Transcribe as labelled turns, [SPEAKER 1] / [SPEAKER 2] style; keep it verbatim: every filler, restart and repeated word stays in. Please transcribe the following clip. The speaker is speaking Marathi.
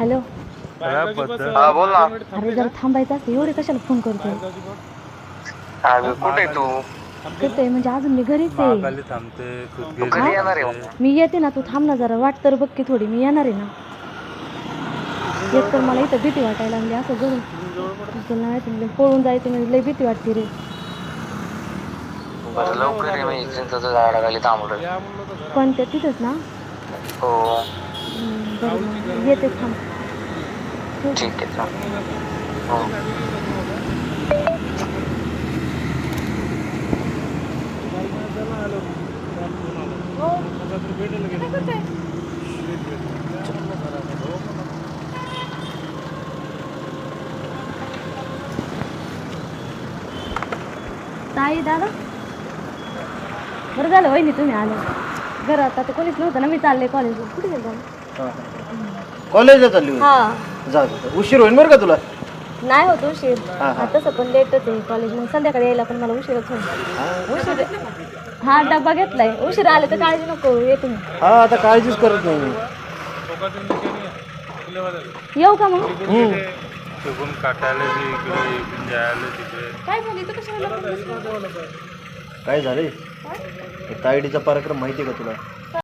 [SPEAKER 1] हॅलो.
[SPEAKER 2] हा बोल ना.
[SPEAKER 1] अरे जरा थांबायचं असतं, एवढे कशाला फोन करतो?
[SPEAKER 2] अगं कुठे तू?
[SPEAKER 1] कुठे म्हणजे अजून मी घरीच आहे.
[SPEAKER 2] तू कधी येणार आहे?
[SPEAKER 1] मी येते ना, तू थांब ना जरा, वाट तर बघ की थोडी, मी येणार आहे ना. एक तर मला इथं भीती वाटायला लागली, असं घरून तुला माहिती म्हणजे पळून जायचं म्हणजे लई भीती वाटते रे.
[SPEAKER 2] बरं लवकर ये, मी चिंचेच्या झाडाखाली थांबलोय.
[SPEAKER 1] पण ते तिथंच ना?
[SPEAKER 2] हो
[SPEAKER 1] हम्म, बरं मग येते, थांब. ठेवू का?
[SPEAKER 2] ठीक आहे चालेल. हो
[SPEAKER 1] ताई दादा, बरं झालं वहिनी तुम्ही आले. घरात आता कोणीच नव्हतं ना, मी चालले कॉलेजला. कुठे गेलो?
[SPEAKER 3] कॉलेजला चालली होती?
[SPEAKER 1] हा,
[SPEAKER 3] जा जा. उशीर होईल बरं का तुला.
[SPEAKER 1] नाही होत उशीर.
[SPEAKER 3] हा, हा.
[SPEAKER 1] तसं पण लेटच आहे कॉलेज, मग संध्याकाळी यायला पण मला उशीरच होईल. उशीर हा डब्बा घेतलाय, उशीर आले तर काळजी नको, येते मी.
[SPEAKER 3] हा आता काळजीच करत नाही मी.
[SPEAKER 1] येऊ का मग?
[SPEAKER 3] हम्म.
[SPEAKER 1] काय झालं इथं कशाला?
[SPEAKER 3] काय झाले? तायडीचा पराक्रम माहिती आहे का तुला?